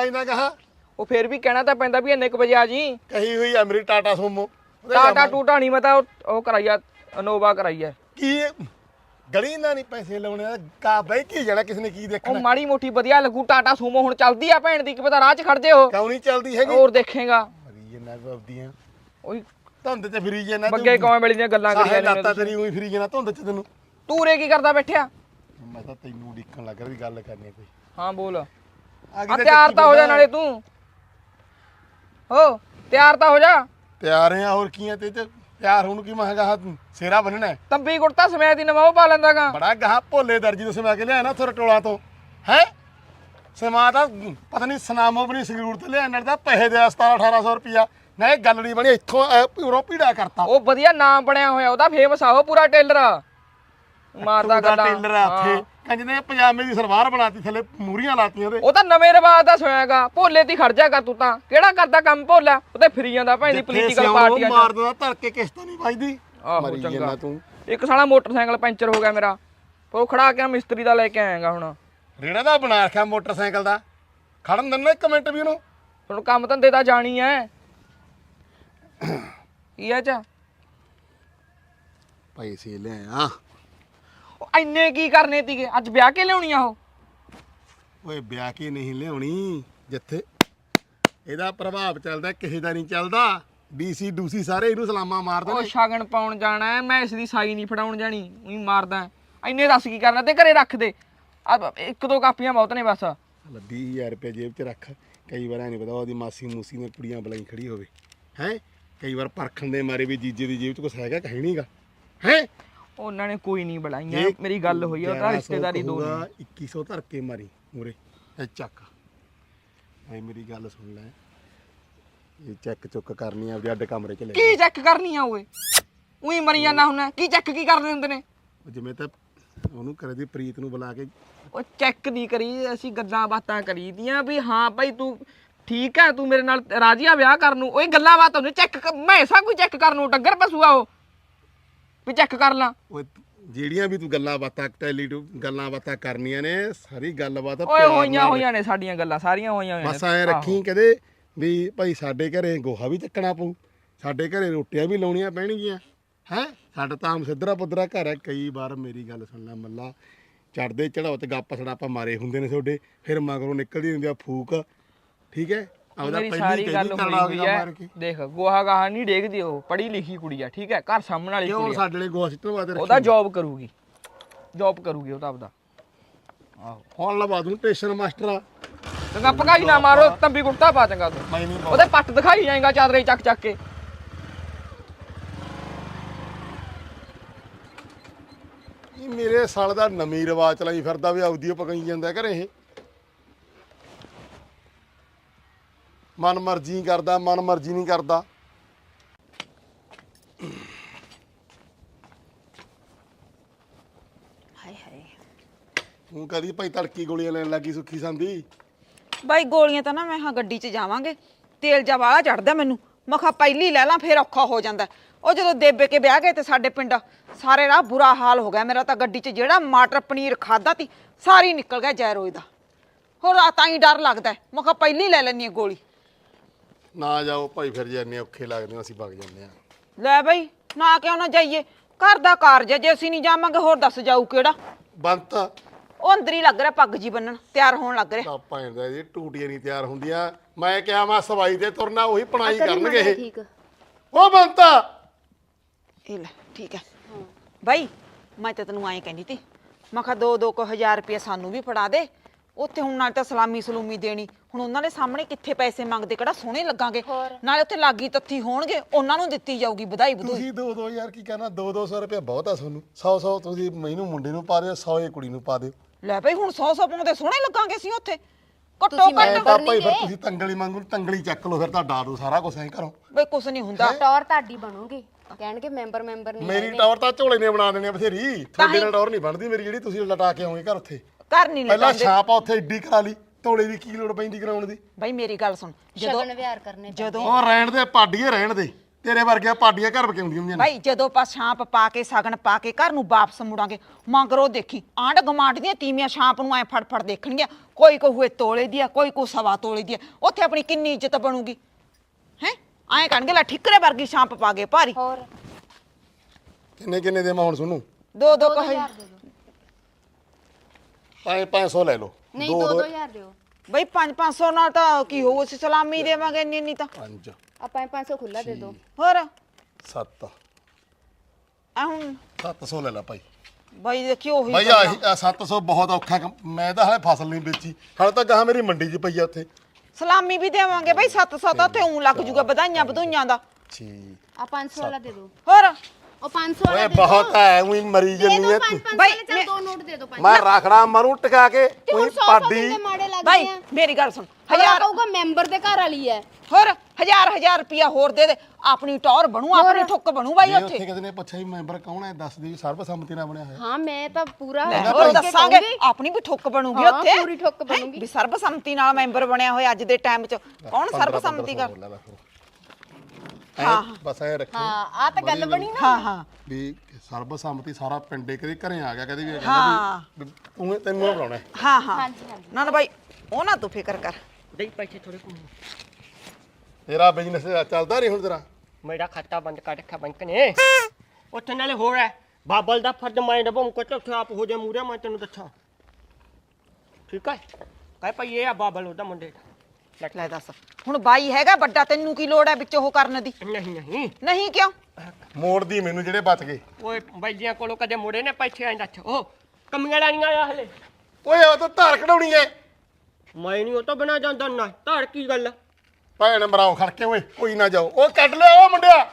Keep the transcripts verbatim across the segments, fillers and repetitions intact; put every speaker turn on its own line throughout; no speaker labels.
ਆ ਜਾਂਦਾ ਕਹਾ
ਉਹ ਫੇਰ ਵੀ ਕਹਿਣਾ ਤਾਂ ਪੈਂਦਾ ਵੀ ਇੰਨੇ ਕੁ ਵਜੇ ਆ ਜੀ।
ਕਹੀ ਹੋਈ ਆ ਮੇਰੀ ਟਾਟਾ ਸੋਮੋ
ਟਾਟਾ ਟੂਟਾ ਨਹੀਂ ਮੈਂ ਤਾਂ ਉਹ- ਉਹ ਕਰਾਈ ਆ ਅਨੋਵਾ ਕਰਾਈ ਆ।
ਕੀ ਗਲੀ ਨਾਲ ਨਹੀਂ ਪੈਸੇ ਲਾਉਣੇ ਕਾ ਬਈ ਕੀ ਜਾਣਾ ਕਿਸ ਨੇ ਕੀ
ਉਹ
ਦੇਖਣਾ
ਮਾੜੀ ਮੋਟੀ ਵਧੀਆ ਲੱਗੂ। ਟਾਟਾ ਸੂਮੋ ਹੁਣ ਚੱਲਦੀ ਆ ਭੈਣ ਦੀ, ਕੀ ਪਤਾ ਰਾਹ 'ਚ ਖੜ ਜੇ ਉਹ।
ਕਿਉਂ ਨਹੀਂ ਚੱਲਦੀ ਹੈਗੀ
ਹੋਰ ਦੇਖੇਗਾ
ਮਰੀ ਜਨਾ ਬਬਦੀਆਂ
ਉਹੀ
ਧੁੰਦ ਚ ਫਰੀ ਜਨਾ
ਬੱਗੇ ਕੌਵੇਂ ਵੇਲੇ ਦੀਆਂ ਗੱਲਾਂ ਕਰੀ ਜਾਂਦੇ
ਲਾਤਾ ਤੇਰੀ ਉਹੀ ਫਰੀ ਜਨਾ ਧੁੰਦ ਚ ਤੈਨੂੰ।
ਤੂੰ ਰੇ ਕੀ ਕਰਦਾ ਬੈਠਿਆ?
ਮੈਂ ਤਾਂ ਤੈਨੂੰ ਉਡੀਕਣ ਲੱਗ ਰਿਹਾ ਵੀ ਗੱਲ ਕਰਨੀ ਕੋਈ।
ਹਾਂ ਬੋਲ।
ਆ
ਆ ਤਿਆਰ ਤਾਂ ਹੋ ਜਾ ਨਾਲੇ ਤੂੰ। ਹੋ ਤਿਆਰ ਤਾਂ ਹੋ ਜਾ।
ਤਿਆਰ ਆ ਹੋਰ ਕੀ ਆ ਤੇ ਤੇ ਤਿਆਰ ਹੋਣ ਕੀ ਮਹਾਂਗਾ ਸੇਰਾ ਬੰਨਣਾ ਹੈ।
ਤੰਬੀ ਕੁੜਤਾ ਸਮੇਤ ਦੀ ਨਵਾਂ ਉਹ ਪਾ ਲੈਂਦਾਗਾ।
ਬੜਾ ਗਾਹ ਭੋਲੇ ਦਰਜੀ ਤੋਂ ਸਮਾ ਕੇ ਲਿਆ ਨਾ ਥੋੜਾ ਟੋਲਾ ਤੋਂ ਹੈ ਸਮਾ ਤਾਂ ਪਤਾ ਨਹੀਂ ਸਨਾਮੋ ਬਣੀ ਸੰਗਰੂਰ ਤੇ ਲਿਆ ਨਾਲ ਦਾ ਪੈਸੇ ਦੇ ਸਤਾਰਾਂ ਅਠਾਰਾਂ ਸੌ ਰੁਪਿਆ ਨਾ ਇਹ ਗੱਲ ਨਹੀਂ ਬਣੀ ਇੱਥੋਂ ਪੂਰਾ ਪੀੜਾ ਕਰਤਾ।
ਉਹ ਵਧੀਆ ਨਾਮ ਬਣਿਆ ਹੋਇਆ ਉਹਦਾ, ਫੇਮਸ ਆ ਉਹ ਪੂਰਾ ਟੇਲਰ ਮਾਰਦਾ ਗੱਲਾਂ।
ਟੇਲਰ ਆ ਉੱਥੇ ਕਹਿੰਦੇ ਪਜਾਮੇ ਦੀ ਸਲਵਾਰ ਬਣਾਤੀ ਥੱਲੇ ਮੂਰੀਆਂ ਲਾਤੀਆਂ ਉਹਦੇ।
ਉਹ ਤਾਂ ਨਵੇਂ ਰਿਵਾਜ ਦਾ ਸੋਇਆਗਾ। ਭੋਲੇ ਦੀ ਖੜ ਜਾਗਾ ਤੂੰ ਤਾਂ। ਕਿਹੜਾ ਕਰਦਾ ਕੰਮ ਭੋਲਾ? ਉਹ ਤੇ ਫਿਰੀ ਜਾਂਦਾ ਭਾਈ ਦੀ ਪੋਲੀਟੀਕਲ ਪਾਰਟੀਆਂ ਚ।
ਮਾਰ ਦਿੰਦਾ ਧਰ ਕੇ ਕਿਸ਼ਤ ਨਹੀਂ ਵੱਜਦੀ।
ਆਹੋ ਚੰਗਾ ਤੂੰ। ਇੱਕ ਸਾਲਾ ਮੋਟਰਸਾਈਕਲ ਪੈਂਚਰ ਹੋ ਗਿਆ ਮੇਰਾ, ਉਹ ਖੜਾ ਕੇ ਮਿਸਤਰੀ ਦਾ ਲੈ ਕੇ ਆਏਗਾ ਹੁਣ।
ਰੇੜਾ ਦਾ ਬਣਾ ਰੱਖਿਆ ਮੋਟਰਸਾਈਕਲ ਦਾ, ਖੜਨ ਦਿੰਦਾ ਇੱਕ ਮਿੰਟ ਵੀ ਉਹਨੂੰ।
ਹੁਣ ਕੰਮ ਧੰਦੇ ਤਾਂ ਜਾਣੀ ਐ। ਕੀ ਐ ਚ
ਪੈਸੇ ਲਿਆ
ਇੰਨੇ ਕੀ ਕਰਨੇ ਤੀਗੇ? ਅੱਜ ਵਿਆਹ ਕੇ ਲਿਆਉਣੀ ਆ ਉਹ?
ਓਏ ਵਿਆਹ ਕੇ ਨਹੀਂ ਲਿਆਉਣੀ, ਜਿੱਥੇ ਇਹਦਾ ਪ੍ਰਭਾਵ ਚੱਲਦਾ ਕਿਸੇ ਦਾ ਨਹੀਂ ਚੱਲਦਾ। ਡੀਸੀ ਡੂਸੀ ਸਾਰੇ ਇਹਨੂੰ ਸਲਾਮਾਂ ਮਾਰਦੇ
ਉਹ
ਨੇ।
ਸ਼ਗਨ ਪਾਉਣ ਜਾਣਾ ਹੈ, ਮੈਂ ਇਸ ਦੀ ਸਾਈ ਨਹੀਂ ਫੜਾਉਣ ਜਾਣੀ। ਉਹੀ ਮਾਰਦਾ ਇੰਨੇ। ਦੱਸ ਕੀ ਕਰਨਾ ਤੇ ਘਰੇ ਰੱਖ ਦੇ। ਆ ਇੱਕ ਦੋ ਕਾਪੀਆਂ ਬਹੁਤ ਨੇ ਬਸ।
ਵੀਹ ਹਜ਼ਾਰ ਰੁਪਏ ਜੇਬ 'ਚ ਰੱਖ। ਕਈ ਵਾਰ ਐ ਨਹੀਂ ਪਤਾ ਉਹਦੀ ਮਾਸੀ ਮੂਸੀ ਨੇ ਕੁੜੀਆਂ ਬੁਲਾਈ ਖੜੀ ਹੋਵੇ ਹੈ। ਕਈ ਵਾਰ ਪਰਖਣ ਦੇ ਮਾਰੇ ਵੀ ਜੀਜੇ ਦੀ ਜੇਬ 'ਚ ਕੁਛ ਹੈਗਾ ਕਹੀ ਨਹੀਂਗਾ ਹੈ।
ਉਹਨਾਂ ਨੇ ਕੋਈ ਨਹੀਂ ਬੁਲਾਈਆਂ। ਮੇਰੀ ਗੱਲ ਹੋਈ ਆ ਉਹਦਾ ਰਿਸ਼ਤੇਦਾਰੀ ਦੋ ਨੇ।
ਇੱਕੀ ਸੌ ਧਰ ਕੇ ਮਾਰੀ ਮੂਰੇ ਇਹ ਚੱਕ। ਭਾਈ ਮੇਰੀ ਗੱਲ ਸੁਣ ਲੈ, ਇਹ ਚੈੱਕ ਚੁੱਕ ਕਰਨੀ ਆ ਆਪਦੇ ਅੱਡ ਕਮਰੇ 'ਚ ਲੈ।
ਕੀ ਚੈੱਕ ਕਰਨੀ ਆ ਓਏ? ਉਹੀ ਮਰੀ ਜਾਂਦਾ ਹੁੰਦਾ। ਕੀ ਚੈੱਕ ਕੀ ਕਰਦੇ ਹੁੰਦੇ ਨੇ?
ਜਿਵੇਂ ਤਾਂ ਉਹਨੂੰ ਕਰੇ ਦੀ ਪ੍ਰੀਤ ਨੂੰ ਬੁਲਾ ਕੇ।
ਉਹ ਚੈੱਕ ਨਹੀਂ ਕਰੀ, ਅਸੀਂ ਗੱਲਾਂ ਬਾਤਾਂ ਕਰੀ ਦੀਆਂ ਵੀ ਹਾਂ ਭਾਈ ਤੂੰ ਠੀਕ ਹੈ, ਤੂੰ ਮੇਰੇ ਨਾਲ ਰਾਜੀ ਆ ਵਿਆਹ ਕਰਨ ਨੂੰ। ਉਹ ਗੱਲਾਂ ਬਾਤਾਂ ਹੁੰਦੀਆਂ। ਚੈੱਕ ਮੈਂ ਸਾ ਕੋਈ ਚੈੱਕ ਕਰਨ ਨੂੰ ਡੰਗਰ ਪਸੂਆ ਉਹ ਵੀ ਚੈੱਕ ਕਰ ਲਾਂ।
ਓਏ ਜਿਹੜੀਆਂ ਵੀ ਤੂੰ ਗੱਲਾਂ ਬਾਤਾਂ ਟੈਲੀ ਟੂ ਗੱਲਾਂ ਬਾਤਾਂ ਕਰਨੀਆਂ ਨੇ ਸਾਰੀ ਗੱਲਬਾਤ
ਓਏ ਹੋਈਆਂ ਹੋਈਆਂ ਨੇ ਸਾਡੀਆਂ ਗੱਲਾਂ ਸਾਰੀਆਂ ਹੋਈਆਂ ਹੋਈਆਂ ਨੇ।
ਬਸ ਐ ਰੱਖੀ ਕਦੇ ਵੀ ਭਾਈ ਸਾਡੇ ਘਰੇ ਗੋਹਾ ਵੀ ਚੱਕਣਾ ਪਊ, ਸਾਡੇ ਘਰੇ ਰੋਟੀਆਂ ਵੀ ਲਾਉਣੀਆਂ ਪੈਣਗੀਆਂ ਹੈ। ਸਾਡਾ ਤਾਂ ਆਮ ਸਿੱਧਰਾ ਪੁੱਧਰਾ ਘਰ ਹੈ। ਕਈ ਵਾਰ ਮੇਰੀ ਗੱਲ ਸੁਣ ਲੈ ਮੱਲਾ, ਚੜਦੇ ਚੜਾਓ ਤੇ ਗੱਪ ਸੜਾਪਾ ਮਾਰੇ ਹੁੰਦੇ ਨੇ ਤੁਹਾਡੇ, ਫਿਰ ਮਗਰੋਂ ਨਿਕਲਦੀ ਹੁੰਦੀ ਆ ਫੂਕ। ਠੀਕ ਹੈ ਆਪਦਾ
ਪਹਿਲੀ ਗੱਲ ਹੋਈ ਹੈ। ਦੇਖ ਗੋਹਾ ਗਾਹਾ ਨਹੀਂ ਡੇਗਦੀ ਉਹ, ਪੜ੍ਹੀ ਲਿਖੀ ਕੁੜੀ ਆ ਠੀਕ ਹੈ, ਘਰ ਸਾਹਮਣੇ ਵਾਲੀ ਕੁੜੀ।
ਕਿਉਂ ਸਾਡੇ ਲਈ ਗੋਹਾ ਸਿੱਟਣ ਵਾਸਤੇ ਰੱਖੀ?
ਉਹਦਾ ਜੌਬ ਕਰੂਗੀ, ਜੌਬ ਕਰੂਗੀ ਉਹ ਤਾਂ ਆਪਦਾ। ਆਹੋ
ਹੁਣ ਲਵਾ ਦੂੰ ਟੇਸ਼ਨ ਮਾਸਟਰ ਆ।
ਚੰਗਾ ਭਗਾਈ ਨਾ ਮਾਰੋ, ਤੰਬੀ ਕੁੜਤਾ ਪਾ ਚੰਗਾ ਤੂੰ।
ਮੈਂ ਨਹੀਂ
ਉਹਦੇ ਪੱਟ ਦਿਖਾਈ ਜਾਏਗਾ ਚਾਦਰੇ ਚੱਕ ਚੱਕ ਕੇ।
ਇਹ ਮੇਰੇ ਸਾਲ ਦਾ ਨਵੀਂ ਰਿਵਾਜ ਚਲਾਈ ਫਿਰਦਾ ਵੀ ਆਉਦੀ ਪਕਾਈ ਜਾਂਦਾ ਘਰੇ। ਇਹ ਮਨ ਮਰਜ਼ੀ ਕਰਦਾ, ਮਨ ਮਰਜ਼ੀ ਨਹੀਂ ਕਰਦਾ।
ਹਾਏ ਹਾਏ
ਹੁਣ ਕਦੀ ਭਾਈ ਤੜਕੀ ਗੋਲੀਆਂ ਲੈਣ ਲੱਗੀ ਸੁੱਖੀ ਸੰਦੀ।
ਬਾਈ ਗੋਲੀਆਂ ਤਾਂ ਨਾ ਮੈਂ ਹਾਂ ਗੱਡੀ 'ਚ ਜਾਵਾਂਗੇ, ਤੇਲ ਜਾ ਵਾਲਾ ਚੜਦਾ ਮੈਨੂੰ। ਮੈਂ ਕਿਹਾ ਪਹਿਲੀ ਲੈ ਲਾਂ ਫਿਰ ਔਖਾ ਹੋ ਜਾਂਦਾ। ਉਹ ਜਦੋਂ ਦੇਬੇ ਕੇ ਵਿਆਹ ਗਏ ਤੇ ਸਾਡੇ ਪਿੰਡ ਸਾਰੇ ਰਾਹ ਬੁਰਾ ਹਾਲ ਹੋ ਗਿਆ ਮੇਰਾ ਤਾਂ। ਗੱਡੀ 'ਚ ਜਿਹੜਾ ਮਟਰ ਪਨੀਰ ਖਾਦਾ ਤੀ ਸਾਰੀ ਨਿਕਲ ਗਿਆ ਜੈਰੋਏ ਦਾ। ਹੋਰ ਆ ਤਾਂ ਹੀ ਡਰ ਲੱਗਦਾ। ਮੈਂ ਕਿਹਾ ਪਹਿਲੀ ਲੈ ਲੈਣੀ ਆ ਗੋਲੀ।
ਨਾ ਜਾਓ ਭਾਈ, ਫਿਰ ਜਾਂਦੇ ਔਖੇ ਲੱਗਦੇ ਅਸੀਂ ਵਗ ਜਾਂਦੇ ਆ।
ਲੈ ਬਈ ਨਾ ਕਿਉਂ ਨਾ ਜਾਈਏ, ਘਰ ਦਾ ਕਾਰਜ ਜੇ ਅਸੀਂ ਨਹੀਂ ਜਾਵਾਂਗੇ ਹੋਰ ਦੱਸ ਜਾਊ ਕਿਹੜਾ।
ਬੰਤ
ਉਹ ਅੰਦਰ ਹੀ ਲੱਗ ਰਿਹਾ ਪੱਗ ਜੀ ਬੰਨਣ, ਤਿਆਰ ਹੋਣ ਲੱਗ ਰਿਹਾ।
ਆਪਾਂ ਇਹਦਾ ਜੀ ਟੂਟੀਆਂ ਨਹੀਂ ਤਿਆਰ ਹੁੰਦੀਆਂ। ਮੈਂ ਕਿਹਾ ਮੈਂ ਸਵਾਈ ਤੇ ਤੁਰਨਾ, ਉਹੀ ਪਣਾਈ ਕਰਨਗੇ ਇਹ।
ਠੀਕ
ਉਹ ਬੰਤਾ
ਇਹ ਲੈ ਠੀਕ ਹੈ ਬਾਈ। ਮੈਂ ਤਾਂ ਤੈਨੂੰ ਐਂ ਕਹਿੰਦੀ ਤੀ, ਮੈਂ ਕਿਹਾ ਦੋ ਦੋ ਕੁ ਹਜ਼ਾਰ ਰੁਪਇਆ ਸਾਨੂੰ ਵੀ ਫੜਾ ਦੇ। ਉੱਥੇ ਹੁਣ ਨਾਲ ਤਾਂ ਸਲਾਮੀ ਸਲੂਮੀ ਦੇਣੀ, ਹੁਣ ਉਹਨਾਂ ਦੇ ਸਾਹਮਣੇ ਕਿੱਥੇ ਪੈਸੇ ਮੰਗਦੇ, ਕਿਹੜਾ ਸੋਹਣੇ ਲੱਗਾਂਗੇ। ਨਾਲੇ ਉੱਥੇ ਲਾਗੀ ਤੱਥੀ ਹੋਣਗੇ, ਉਹਨਾਂ ਨੂੰ ਦਿੱਤੀ ਜਾਊਗੀ ਵਧਾਈ ਵਧੂਈ।
ਤੁਸੀਂ ਦੋ ਦੋ ਹਜ਼ਾਰ ਕੀ ਕਹਿਣਾ, ਦੋ ਦੋ ਸੌ ਰੁਪਇਆ ਬਹੁਤ ਆ ਤੁਹਾਨੂੰ। ਸੌ ਸੌ ਤੁਸੀਂ ਮੈਨੂੰ ਮੁੰਡੇ ਨੂੰ ਪਾ ਦਿਓ, ਸੌ ਇਹ ਕੁੜੀ ਨੂੰ ਪਾ ਦਿਓ।
ਲੈ ਬਈ ਹੁਣ ਸੌ ਸੌ ਪਾਉਂਦੇ ਸੋਹਣੇ ਲੱਗਾਂਗੇ ਅਸੀਂ ਉੱਥੇ ਘੱਟੋ
ਤੁਸੀਂ
ਐ
ਘੱਟ।
ਤਾਂ ਭਾਈ ਫਿਰ ਤੁਸੀਂ ਤੰਗਲੀ ਮੰਗੂ ਤੰਗਲੀ ਚੱਕ ਲਓ, ਫਿਰ ਤਾਂ ਡਾ ਦੋ ਸਾਰਾ ਕੁਝ ਐਂ ਕਰੋ।
ਬਈ ਕੁਛ ਨਹੀਂ ਹੁੰਦਾ।
ਟੌਰ ਤੁਹਾਡੀ ਬਣੂਗੀ, ਕਹਿਣਗੇ ਮੈਂਬਰ ਮੈਂਬਰ ਨਹੀਂ
ਮੇਰੀ ਟੌਰ ਤਾਂ ਝੋਲੇ ਨੇ ਬਣਾ ਦੇਣੀ ਆ ਬਥੇਰੀ। ਤੁਹਾਡੇ ਨਾਲ ਟੌਰ ਨਹੀਂ ਬਣਦੀ ਮੇਰੀ, ਜਿਹੜੀ ਤੁਸੀਂ ਲਟਾ ਕੇ ਆਓਗੇ ਘਰ ਉੱਥੇ।
ਘਰ ਨਹੀਂ
ਪਹਿਲਾਂ
ਲੈਂਦੇ
ਛਾਪ ਆ ਉੱਥੇ ਏਡੀ ਕਰਾ ਲਈ, ਤੋਲੇ ਦੀ ਕੀ ਲੋੜ ਪੈਂਦੀ ਕਰਾਉਣ ਦੀ।
ਬਈ ਮੇਰੀ ਗੱਲ ਸੁਣ, ਜਦੋਂ
ਸ਼ਗਨ ਵਿਹਾਰ ਕਰਨੇ
ਜਦੋਂ
ਉਹ ਰਹਿਣ ਦੇ ਪਾਡੀਏ ਰਹਿਣ ਦੇ। ਤੇਰੇ ਵਰਗੀਆਂ ਪਾਡੀਆਂ ਘਰ ਬਕੇ ਹੁੰਦੀਆਂ ਹੁੰਦੀਆਂ ਨੇ।
ਭਾਈ ਜਦੋਂ ਆਪਾਂ ਛਾਂਪ ਪਾ ਕੇ ਸਗਨ ਪਾ ਕੇ ਘਰ ਨੂੰ ਵਾਪਸ ਮੁੜਾਂਗੇ ਮੰਗਰੋ ਦੇਖੀ ਆਂਢ ਗਮਾਂਡ ਦੀਆਂ ਤੀਵੀਆਂ ਛਾਂਪ ਨੂੰ ਐ ਫੜ ਫੜ ਦੇਖਣਗੀਆਂ ਕੋਈ ਕਹੂਏ ਤੋਲੇ ਦੀ ਆ ਕੋਈ ਕੋ ਸਵਾ ਤੋਲੇ ਦੀ ਆ ਉੱਥੇ ਆਪਣੀ ਕਿੰਨੀ ਇੱਜ਼ਤ ਬਣੂਗੀ ਹੈ ਐਂ ਕਹਿਣਗੇ ਲੈ ਠਿਕਰੇ ਵਰਗੀ ਛਾਂਪ ਪਾ ਗਏ ਭਾਰੀ
ਹੋਰ
ਕਿੰਨੇ ਕਿੰਨੇ ਦੇ ਮੈਂ ਹੁਣ ਸੁਣੂ
ਦੋ ਦੋ
ਦੋ
ਕਹੇ
ਹਜ਼ਾਰ ਦੇ ਦਿਓ
ਪੰਜ ਪੰਜ ਸੌ ਲੈ ਲਓ
ਨਹੀਂ ਦੋ ਦੋ ਹਜ਼ਾਰ ਦਿਓ
ਬਈ ਪੰਜ ਪੰਜ ਸੌ ਨਾਲ ਤਾਂ ਕੀ ਹੋਊ ਅਸੀਂ ਸਲਾਮੀ ਦੇਵਾਂਗੇ ਇੰਨੀ ਇੰਨੀ ਤਾਂ
ਪੰਜ
ਆਪਾਂ ਪੰਜ ਸੌ ਖੁੱਲਾ ਦੇ ਦਿਓ
ਹੋਰ
ਸੱਤ
ਆ ਹੁਣ
ਸੱਤ ਸੌ ਲੈ ਲੈ ਭਾਈ
ਬਾਈ ਦੇਖਿਓ ਉਹੀ
ਭਾਈ ਆਹੀ ਆਹ ਸੱਤ ਸੌ ਬਹੁਤ ਔਖਾ ਕੰਮ। ਮੈਂ ਤਾਂ ਹਲੇ ਫਸਲ ਨਹੀਂ ਵੇਚੀ ਹਾਲੇ ਤਾਂ ਗਾਹ ਮੇਰੀ ਮੰਡੀ 'ਚ ਪਈ ਆ ਉੱਥੇ।
ਸਲਾਮੀ ਵੀ ਦੇਵਾਂਗੇ ਬਈ ਸੱਤ ਸੌ ਤਾਂ ਉੱਥੇ ਉਂ ਲੱਗ ਜੂਗਾ ਵਧਾਈਆਂ ਵਧੂਈਆਂ ਦਾ
ਛੇ
ਆ ਪੰਜ ਸੌ ਵਾਲਾ ਦੇ ਦਿਓ
ਹੋਰ
ਉਹ ਪੰਜ ਸੌ ਵਾਲਾ
ਓਏ
ਦੇ ਦਿਓ
ਬਹੁਤ ਹੈ ਉਹੀ ਮਰੀ
ਦੇ
ਜੰਨੀ
ਦਿਓ
ਐ
ਪੰਜ
ਤੂੰ।
ਪੰਜ
ਬਾਈ,
ਵਾਲੇ ਚੱਲ ਦੋ ਨੋਟ ਦੇ ਦਿਓ ਪੰਜ
ਮੈਂ ਰਖੜਾ ਮਰੂ ਟਿਕਾ ਕੇ
ਤੇ
ਉਹੀ
ਹੁਣ ਸੌ ਸੌ
ਪਾਡੀ
ਦੇ ਮਾੜੇ ਲੱਗਦੇ
ਬਾਈ
ਆ
ਮੇਰੀ ਗੱਲ ਸੁਣ
ਹਜ਼ਾਰ
ਹਜ਼ਾਰ
ਕਹੂਗਾ ਮੈਂਬਰ ਦੇ ਘਰ ਵਾਲੀ ਹੈ
ਹੋਰ ਹਜ਼ਾਰ ਹਜ਼ਾਰ ਰੁਪਿਆ ਹੋਰ ਦੇ ਦੇ ਆਪਣੀ ਟੌਰ ਬਣੂ ਆਪਣੀ ਠੁੱਕ ਬਣੂ ਬਾਈ
ਜੇ
ਉੱਥੇ
ਉੱਥੇ ਕਿਸੇ ਨੇ ਪੁੱਛਿਆ ਵੀ ਮੈਂਬਰ ਕੌਣ ਹੈ ਦੱਸ ਦੀ ਸਰਬਸੰਮਤੀ ਨਾਲ ਬਣਿਆ ਹੋਇਆ।
ਹਾਂ ਮੈਂ ਤਾਂ ਪੂਰਾ
ਲੈ,
ਕਰਕੇ
ਹੋਰ ਦੱਸਾਂਗੇ
ਕਹੂੰਗੀ।
ਆਪਣੀ ਵੀ ਠੁੱਕ ਬਣੂਗੀ
ਹਾਂ,
ਉੱਥੇ
ਪੂਰੀ ਠੁੱਕ
ਹੈਂ?
ਬਣੂਗੀ।
ਵੀ ਸਰਬਸੰਮਤੀ ਨਾਲ ਮੈਂਬਰ ਬਣਿਆ ਹੋਇਆ ਅੱਜ ਦੇ ਟਾਈਮ 'ਚ ਕੌਣ ਸਰਬਸੰਮਤੀ ਕਰ
ਹਾਂ ਬਸ ਐ ਰੱਖੋ
ਹਾਂ ਆ ਤਾਂ ਗੱਲ ਬਣੀ ਨਾ
ਹਾਂ ਹਾਂ
ਵੀ ਸਰਬਸੰਮਤੀ ਸਾਰਾ ਪਿੰਡੇ ਕਦੇ ਘਰੇ ਆ ਗਿਆ ਕਦੇ ਵੀ ਇਹ
ਹਾਂ।
ਕਹਿੰਦਾ ਵੀ ਤੂੰ ਤੈਨੂੰ ਇਹ ਬੁਲਾਉਣਾ ਹੈ।
ਹਾਂ ਹਾਂ
ਹਾਂਜੀ ਹਾਂਜੀ
ਨਾ ਨਾ ਬਾਈ ਉਹ ਨਾ ਤੂੰ ਫਿਕਰ ਕਰ
ਦੇਈ ਪੈਸੇ ਥੋੜੇ ਕੋ
ਤੇਰਾ ਬਿਜ਼ਨਸ ਚੱਲਦਾ ਨਹੀਂ ਹੁਣ ਤੇਰਾ।
ਮੇਰਾ ਖਾਤਾ ਬੰਦ ਕਰ ਰੱਖਿਆ ਬੈਂਕ ਨੇ ਉੱਥੇ ਨਾਲੇ ਹੋਰ ਹੈ ਬਾਬਲ ਦਾ ਫਰਜ਼ ਮੈਂ ਨਿਭਾਉਂ ਕੋ ਉੱਥੇ ਆਪ ਹੋ ਜਾ ਮੂਰੇ ਮੈਂ ਤੈਨੂੰ ਦੱਸਾਂ ਠੀਕ ਹੈ ਕਹਿ ਪਈ ਇਹ ਆ ਬਾਬਲ ਉਹਦਾ ਮੁੰਡੇ ਦਾ
ਲੈ ਦੱਸ ਹੁਣ ਬਾਈ ਹੈਗਾ ਵੱਡਾ ਤੈਨੂੰ ਕੀ ਲੋੜ ਹੈ ਵਿੱਚ ਉਹ ਕਰਨ ਦੀ
ਨਹੀਂ ਨਹੀਂ
ਨਹੀਂ ਕਿਉਂ
ਮੋੜਦੀ ਮੈਨੂੰ ਜਿਹੜੇ ਬਚ ਗਏ।
ਓਏ ਬਾਈਆਂ ਕੋਲੋਂ ਕਦੇ ਮੁੜੇ ਨੇ ਪੈਸੇ ਆਂ ਦੱਸ ਉਹ ਕਮੀਆਂ ਲਾਈਆਂ ਆ ਹਲੇ
ਓਏ ਉਹ ਤਾਂ ਧਾਰ ਕਢਾਉਣੀ ਐ।
ਮੈਂ ਨਹੀਂ ਉਹ ਤੋਂ ਬਿਨਾ ਜਾਂਦਾ ਨਾ ਧਾਰ ਕੀ ਗੱਲ
ਭੈਣ ਮਰਾਓ ਖੜਕੇ ਓਏ ਕੋਈ ਨਾ ਜਾਓ ਉਹ ਕੱਢ ਲਿਆ ਉਹ ਮੁੰਡਿਆ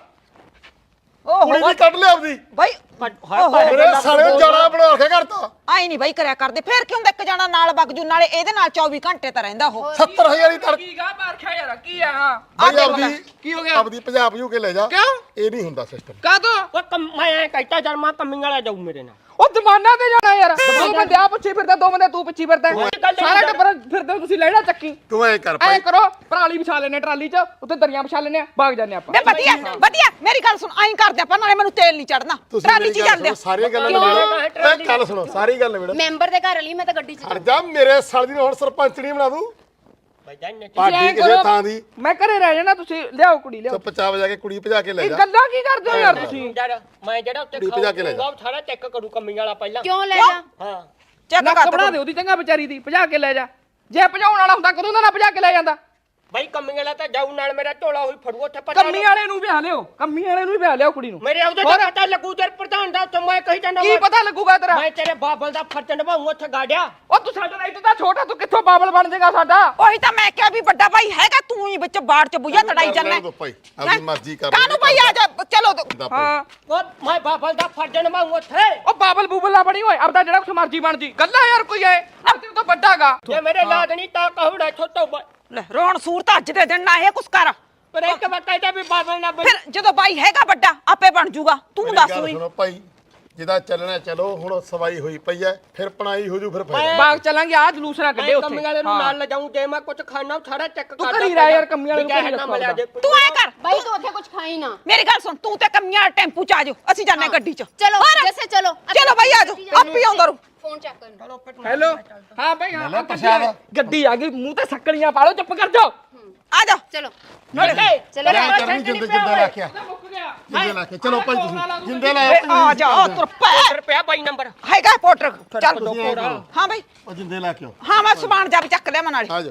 ਓਹ
ਕੁੜੀ ਦੀ ਕੱਢ ਲਿਆ ਆਪਦੀ
ਬਾਈ ਓਹੋ।
ਮੇਰੇ ਸਾਲੇ ਜੜਾ ਬਣਾ ਕੇ ਕਰਤਾ
ਆਈ ਨਹੀਂ ਬਾਈ ਕਰਿਆ ਕਰਦੇ ਫੇਰ ਕਿਉਂ ਇੱਕ ਜਾਣਾ ਨਾਲ ਬਗਜੂ ਨਾਲੇ ਇਹਦੇ ਨਾਲ ਚੌਵੀ ਘੰਟੇ ਤਾਂ ਰਹਿੰਦਾ ਉਹ
ਸੱਤਰ ਹਜ਼ਾਰ ਦੀ ਤੜ
ਕੀ ਗਾ ਮਾਰਖਿਆ ਯਾਰ ਕੀ ਆ
ਬਈ
ਦੇਖ
ਆਪਦੀ
ਕੀ ਹੋ ਗਿਆ?
ਆਪਦੀ ਪੰਜਾਬ ਭਜੂ ਕੇ ਲੈ ਜਾ
ਕਿਉਂ?
ਇਹ ਨਹੀਂ ਹੁੰਦਾ ਸਿਸਟਮ।
ਕਾ ਤੋ
ਉਹ ਕਮ ਮੈਂ ਐਂ ਕਹਿਤਾ ਜਦ ਮੈਂ ਕਮੀਆਂ ਵਾਲਾ ਜਾਊ ਮੇਰੇ ਨਾਲ
ਉਹ ਦਮਾਨਾ ਤੇ ਜਾਣਾ ਯਾਰ ਦੋ ਬੰਦੇ ਆ ਪਿੱਛੇ ਫਿਰਦਾ ਦੋ ਬੰਦੇ ਤੂੰ ਪਿੱਛੇ ਫਿਰਦਾ
ਗੱਲ ਨਹੀਂ
ਸਾਰਾ
ਯਾਰ।
ਟੱਬਰ ਫਿਰਦੇ ਹੋ ਤੁਸੀਂ ਲੈਣਾ ਚੱਕੀ
ਤੂੰ ਐ ਕਰ
ਐ
ਭਾਈ
ਕਰੋ ਪਰਾਲੀ ਵਿਛਾ ਲੈਨੇ ਟਰਾਲੀ 'ਚ ਉੱਤੇ ਦਰੀਆਂ ਵਿਛਾ ਲੈਨੇ ਭਾਗ ਜਾਂਦੇ ਆਪਾਂ
ਬੇ ਵਧੀਆ ਵਧੀਆ ਮੇਰੀ ਗੱਲ ਸੁਣ ਆਈ ਕਰਦੇ ਆਪਾਂ ਨਾਲੇ ਮੈਨੂੰ ਤੇਲ ਨਹੀਂ ਚੜਨਾ
ਤੁਸੀਂ
ਟਰਾਲੀ
ਮੇਰੀ
'ਚ
ਗੱਲ
ਜਾਂਦੇ
ਸੁਣੋ, ਸਾਰੀਆਂ ਗੱਲਾਂ
ਕਿਉਂ?
ਨਿਬੇੜੋ ਮੈਂ ਗੱਲ ਸੁਣੋ ਸਾਰੀ ਗੱਲ ਨਿਬੇੜੋ।
ਮੈਂਬਰ ਦੇ ਘਰ ਵਾਲੀ ਮੈਂ ਤਾਂ ਗੱਡੀ 'ਚ
ਹਟ ਜਾ ਮੇਰੇ ਸਾਲੀ ਨੂੰ ਹੁਣ ਸਰਪੰਚਣੀ ਬਣਾ ਦੂੰ
ਬਾਈਆਂ ਨੇ
ਪਾਰਟੀ
ਐਂ
ਕਿਸੇ
ਕਰੋ,
ਥਾਂ ਦੀ
ਮੈਂ ਘਰੇ ਰਹਿ ਜਾਣਾ ਤੁਸੀਂ ਲਿਆਓ ਕੁੜੀ ਲਿਆਓ
ਚੁੱਪ ਚਾਪ ਜਾ ਕੇ ਕੁੜੀ ਭਜਾ ਕੇ ਲੈ
ਇਹ
ਜਾ।
ਗੱਲਾਂ ਕੀ ਕਰਦੇ ਹੋ ਯਾਰ ਤੁਸੀਂ
ਯਾਰ ਮੈਂ ਜਿਹੜਾ ਉੱਤੇ
ਕੁੜੀ ਭਜਾ ਕੇ ਲੈ ਜਾ।
ਖਾਊਂਗਾ ਉਹ ਸਾਰਾ ਚੈੱਕ ਕਰੂ ਕਮੀਆਂ ਵਾਲਾ ਪਹਿਲਾਂ
ਕਿਉਂ ਲੈ ਜਾ
ਹਾਂ
ਚੱਕ
ਨੱਕ
ਕਰ
ਬਣਾ ਦੇ ਉਹਦੀ ਚੰਗਾ ਵਿਚਾਰੀ ਦੀ ਭਜਾ ਕੇ ਲੈ ਜਾ ਜੇ ਭਜਾਉਣ ਵਾਲਾ ਹੁੰਦਾ ਕਦੋਂ ਦਾ ਨਾ ਭਜਾ ਕੇ ਲੈ ਜਾਂਦਾ
ਬਾਈ ਕਮੀਆਂ ਵਾਲਾ ਤਾਂ ਜਾਊ ਨਾਲ ਮੇਰਾ ਝੋਲਾ ਹੋਈ ਫੜੂ ਉੱਥੇ ਪਤਾ
ਕੰਮੀ ਵਾਲੇ ਨੂੰ ਵਿਆਹ ਲਿਓ ਕੰਮੀ ਵਾਲੇ ਨੂੰ ਵੀ ਵਿਆਹ ਲਿਓ ਕੁੜੀ ਨੂੰ
ਮੇਰੇ ਉਹਦੇ
ਹੋਰ?
ਤਾਂ ਪਤਾ ਲੱਗੂ ਤੇ ਪ੍ਰਧਾਨ ਦਾ ਉੱਥੇ ਮੈਂ ਕਹੀ ਜਾਂਦਾ
ਕੀ ਪਤਾ ਲੱਗੂਗਾ ਤੇਰਾ
ਮੈਂ ਤੇਰੇ ਬਾਬਲ ਦਾ ਫਰਜ਼ ਨਿਭਾਉਂ ਉੱਥੇ ਗਾੜਿਆ
ਉਹ ਤੂੰ ਸਾਡਾ ਰਾਈਟ ਤਾਂ ਛੋਟਾ ਤੂੰ ਕਿੱਥੋਂ ਬਾਬਲ ਬਣ ਜਾਏਗਾ ਸਾਡਾ
ਉਹੀ ਤਾਂ ਮੈਂ ਕਿਹਾ ਵੀ ਵੱਡਾ ਭਾਈ ਹੈਗਾ ਤੂੰ ਹੀ ਵਿੱਚ ਬਾੜ 'ਚ ਬੁਝਾ ਤੜਾਈ ਜਾਂਦਾ
ਰਹਿਣ ਦਿਓ ਭਾਈ, ਆਪਦੀ ਮਰਜ਼ੀ ਕਰ
ਕਾਹਨੂੰ ਭਾਈ ਆ ਜਾ ਚਲੋ
ਦਾ ਭਾਈ।
ਹਾਂ
ਉਹ ਮੈਂ ਬਾਬਲ ਦਾ ਫਰਜ਼ ਨਿਭਾਉਂ ਉੱਥੇ
ਉਹ ਬਾਬਲ ਬੂਬਲ ਨਾ ਬਣੀ ਓਏ ਆਪਦਾ ਜਿਹੜਾ ਕੁਛ ਮਰਜੀ ਬਣ ਜੀ ਗੱਲਾਂ ਯਾਰ ਕੋਈ ਐ ਆਪਦੇ ਤੋਂ ਵੱਡਾਗਾ
ਜੇ ਮੇਰੇ ਲਾਦ ਨਹੀਂ ਤਾਂ ਕਹੂੜਾ ਛੋਟੋ
ਲੈ ਰੋਣ ਸੂਰਤ ਅੱਜ ਦੇ ਦਿਨ ਨਾ ਇਹ ਕੁਛ ਕਰ
ਪਰ ਇੱਕ ਵਾਰ ਕਹਿੰਦਾ ਵੀ ਬਾਬਲ ਨਾ ਬਣੀ
ਫਿਰ ਜਦੋਂ ਬਾਈ ਹੈਗਾ ਵੱਡਾ ਆਪੇ ਬਣ ਜੂਗਾ ਤੂੰ
ਮੇਰੀ
ਦੱਸ
ਗੱਲ
ਹੋਈ
ਸੁਣੋ ਭਾਈ ਜਿਹਦਾ ਚੱਲਣਾ ਚਲੋ ਹੁਣ ਸਵਾਈ ਹੋਈ ਪਈ ਐ ਫਿਰ ਪਣਾਈ ਹੋ ਜੂ ਫਿਰ ਫਾਇਦਾ।
ਬਾਗ ਚਲਾਂਗੇ ਆ ਜਲੂਸ ਨਾ ਕੱਢੇ
ਮੈਂ
ਉੱਥੇ
ਕਮੀ ਵਾਲੇ ਨੂੰ
ਹਾਂ।
ਨਾਲ ਲਿਜਾਊਂ ਜੇ ਮੈਂ ਕੁਝ ਖਾਣਾ ਉਹ ਸਾਰਾ ਚੈੱਕ
ਤੂੰ
ਕਰਦਾ
ਘਰੀ ਰਹਿ ਯਾਰ, ਕਮੀ ਵਾਲੇ ਨੂੰ
ਵੀ
ਘਰੀ
ਨਾ ਮਿਲਿਆ ਜੇ
ਤੂੰ ਐ ਕਰ
ਬਾਈ ਤੂੰ ਉੱਥੇ ਕੁਝ ਖਾਈ ਨਾ
ਮੇਰੀ ਗੱਲ ਸੁਣ ਤੂੰ ਤੇ ਕਮੀਆਂ ਟੈਂਪੂ 'ਚ ਆ ਜਾਓ ਅਸੀਂ ਜਾਂਦੇ ਗੱਡੀ 'ਚ
ਚਲੋ
ਹੋਰ?
ਜੈਸੇ ਚਲੋ
ਚਲੋ ਬਾਈ ਆ ਜਾਓ ਆਪ ਹੀ ਆਉਂਦਾ ਰੂ
ਫੋਨ ਚੱਕ ਕਰਨ
ਹੈਲੋ ਹਾਂ ਭਾਈ ਹਾਂ
ਲੈ
ਹਾਂ,
ਪ੍ਰਸ਼ਾਦ।
ਗੱਡੀ ਆ ਗਈ ਮੂੰਹ ਤੇ ਸੱਕੜੀਆਂ ਪਾ ਲਓ ਚੁੱਪ ਕਰ ਜਾਓ
ਆ ਜਾ
ਚਲੋ
ਨਾਲੇ
ਚਲੋ
ਲੈ ਕਰਨੀ ਜਿੰਦੇ ਜਿੰਦੇ ਲਾ ਕੇ ਆ।
ਮੁੱਕ ਗਿਆ
ਜਿੰਦੇ ਲਾ ਕੇ ਚਲੋ ਭਾਈ ਤੁਸੀਂ ਜਿੰਦੇ ਲਾ
ਏ, ਆ ਜਾ ਤੁਰ ਪੈ
ਰੁਪਿਆ ਬਾਈ ਨੰਬਰ
ਹੈਗਾ ਪੋਟਰ ਚੱਲ
ਤੁਸੀਂ ਐਂ ਕਰੋ,
ਹਾਂ ਬਾਈ
ਉਹ ਜਿੰਦੇ ਲਾ ਕੇ ਆਓ
ਹਾਂ ਮੈਂ ਸਮਾਨ ਜਾ ਵੀ ਚੱਕ ਲਿਆ ਨਾਲੇ
ਆ ਜਾਓ।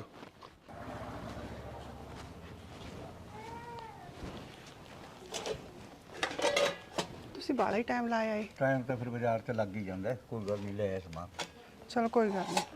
ਤੁਸੀਂ ਬਾਲਾ ਹੀ ਟਾਈਮ ਲਾਇਆ ਏ
ਟਾਈਮ ਤਾਂ ਫਿਰ ਬਾਜ਼ਾਰ ਤੇ ਲੱਗ ਹੀ ਜਾਂਦਾ ਹੈ, ਕੋਈ ਗੱਲ ਨਹੀਂ ਲੈ ਆਇਆ ਸਮਾਨ।
ਚਲੋ ਕੋਈ ਗੱਲ ਨਹੀਂ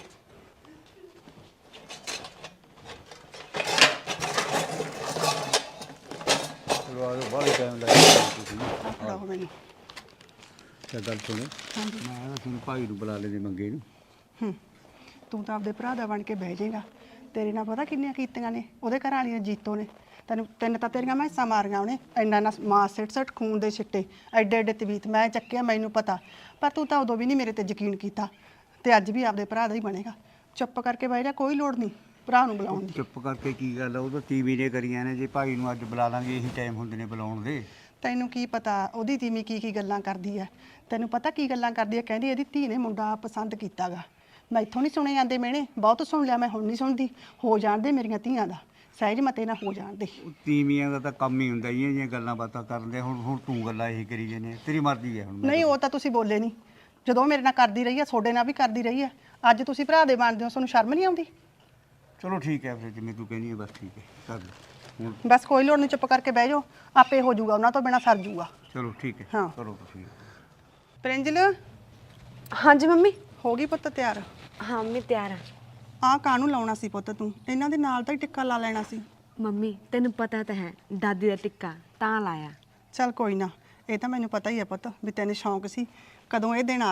ਚਲੋ ਆ ਜਾਓ, ਬਾਹਲਾ ਟਾਈਮ ਲਾਇਆ ਤੁਸੀਂ।
ਆ ਫੜਾਓ ਮੈਨੂੰ
ਤੇ ਗੱਲ ਸੁਣੋ, ਮੈਂ ਨਾ ਤੁਹਾਨੂੰ ਭਾਈ ਨੂੰ ਬੁਲਾ ਲੈਂਦੇ ਮੰਗੇ ਨੂੰ।
ਹੂੰ ਤੂੰ ਤਾਂ ਆਪਦੇ ਭਰਾ ਦਾ ਬਣ ਕੇ ਬਹਿ ਜਾਏਗਾ ਤੇਰੇ ਨਾਲ ਪਤਾ ਕਿੰਨੀਆਂ ਕੀਤੀਆਂ ਨੇ ਉਹਦੇ ਘਰ ਵਾਲੀਆਂ ਜੀਤੋ ਨੇ ਤੈਨੂੰ ਤਿੰਨ ਤਾਂ ਤੇਰੀਆਂ ਮੈਸਾਂ ਮਾਰੀਆਂ ਉਹਨੇ ਇੰਨਾ ਨਾ ਮਾਂ ਸਿੱਟ ਸਿੱਟ ਖੂਨ ਦੇ ਛਿੱਟੇ ਐਡੇ ਐਡੇ ਤਵੀਤ ਮੈਂ ਚੱਕਿਆ ਮੈਨੂੰ ਪਤਾ ਪਰ ਤੂੰ ਤਾਂ ਉਦੋਂ ਵੀ ਨਹੀਂ ਮੇਰੇ ਤੇ ਯਕੀਨ ਕੀਤਾ ਤੇ ਅੱਜ ਵੀ ਆਪਦੇ ਭਰਾ ਦਾ ਹੀ ਬਣੇਗਾ ਚੁੱਪ ਕਰਕੇ ਬਹਿ ਜਾ ਕੋਈ ਲੋੜ ਨਹੀਂ ਭਰਾ ਨੂੰ ਬੁਲਾਉਣ ਦੀ।
ਚੁੱਪ ਕਰਕੇ ਕੀ ਗੱਲ ਆ, ਉਹ ਤਾਂ ਟੀਵੀ ਨੇ ਕਰੀਆਂ ਨੇ। ਜੇ ਭਾਈ ਨੂੰ ਅੱਜ ਬੁਲਾ ਲਾਂਗੇ ਇਹੀ ਟਾਈਮ ਹੁੰਦੇ ਨੇ ਬੁਲਾਉਣ ਦੇ।
ਤੈਨੂੰ ਕੀ ਪਤਾ ਉਹਦੀ ਤੀਵੀਂ ਕੀ ਕੀ ਗੱਲਾਂ ਕਰਦੀ ਐ? ਤੈਨੂੰ ਪਤਾ ਕੀ ਗੱਲਾਂ ਕਰਦੀ ਐ? ਕਹਿੰਦੀ ਇਹਦੀ ਧੀ ਨੇ ਮੁੰਡਾ ਪਸੰਦ ਕੀਤਾਗਾ। ਮੈਂ ਇੱਥੋਂ ਨਹੀਂ ਸੁਣੇ ਜਾਂਦੇ ਮਿਹਣੇ, ਬਹੁਤ ਸੁਣ ਲਿਆ ਮੈਂ, ਹੁਣ ਨਹੀਂ ਸੁਣਦੀ। ਹੋ ਜਾਣ ਦੇ ਮੇਰੀਆਂ ਧੀਆਂ ਦਾ, ਸਹਿਜ ਮਤੇ ਨਾ ਹੋ ਜਾਣ ਦੇ।
ਉਹ ਤੀਵੀਆਂ ਦਾ ਤਾਂ ਕੰਮ ਹੀ ਹੁੰਦਾ ਇਹ ਜਿਹੀਆਂ ਗੱਲਾਂ ਬਾਤਾਂ ਕਰਨ ਦੇ। ਹੁਣ ਹੁਣ ਤੂੰ ਗੱਲਾਂ ਇਹੀ ਕਰੀ ਜਾਂਦੇ, ਤੇਰੀ ਮਰਜ਼ੀ ਹੈ। ਹੁਣ ਮੈਂ
ਨਹੀਂ ਉਹ ਤਾਂ ਤੁਸੀਂ ਬੋਲੇ ਨਹੀਂ, ਜਦੋਂ ਮੇਰੇ ਨਾਲ ਕਰਦੀ ਰਹੀ ਐ ਤੁਹਾਡੇ ਨਾਲ ਵੀ ਕਰਦੀ ਰਹੀ ਐ। ਅੱਜ ਤੁਸੀਂ ਭਰਾ ਦੇ ਬਣਦੇ ਹੋ, ਤੁਹਾਨੂੰ ਸ਼ਰਮ ਨਹੀਂ ਆਉਂਦੀ?
ਚਲੋ ਠੀਕ ਹੈ ਫਿਰ, ਜਿਵੇਂ ਤੂੰ ਕਹਿੰਦੀ ਹੈ ਬਸ ਠੀਕ ਹੈ ਕਰ ਲੈ ਹੁਣ।
ਬਸ ਕੋਈ ਲੋੜ ਨਹੀਂ, ਚੁੱਪ ਕਰਕੇ ਬਹਿ ਜਾਓ, ਆਪੇ ਹੋ ਜਾਊਗਾ, ਉਹਨਾਂ ਤੋਂ ਬਿਨਾ ਸਰ ਜਾਊਗਾ।
ਚਲੋ ਠੀਕ ਹੈ
ਹਾਂ।
ਕਰੋ ਤੁਸੀਂ।
ਪ੍ਰਿੰਜਲ
ਹਾਂਜੀ ਮੰਮੀ।
ਹੋ ਗਈ ਪੁੱਤ ਤਿਆਰ?
ਹਾਂ ਮੰਮੀ ਤਿਆਰ ਆ।
ਆਹ ਕਾਹਨੂੰ ਲਾਉਣਾ ਸੀ ਪੁੱਤ ਤੂੰ? ਇਹਨਾਂ ਦੇ ਨਾਲ ਤਾਂ ਹੀ ਟਿੱਕਾ ਲਾ ਲੈਣਾ ਸੀ।
ਮੰਮੀ ਤੈਨੂੰ ਪਤਾ ਤਾਂ ਹੈ ਦਾਦੀ ਦਾ ਟਿੱਕਾ ਤਾਂ ਲਾਇਆ।
ਚੱਲ ਕੋਈ ਨਾ, ਇਹ ਤਾਂ ਮੈਨੂੰ ਪਤਾ ਹੀ ਹੈ ਪੁੱਤ ਵੀ ਤੈਨੂੰ ਸ਼ੌਂਕ ਸੀ। ਕਦੋਂ ਇਹ ਦਿਨ ਆ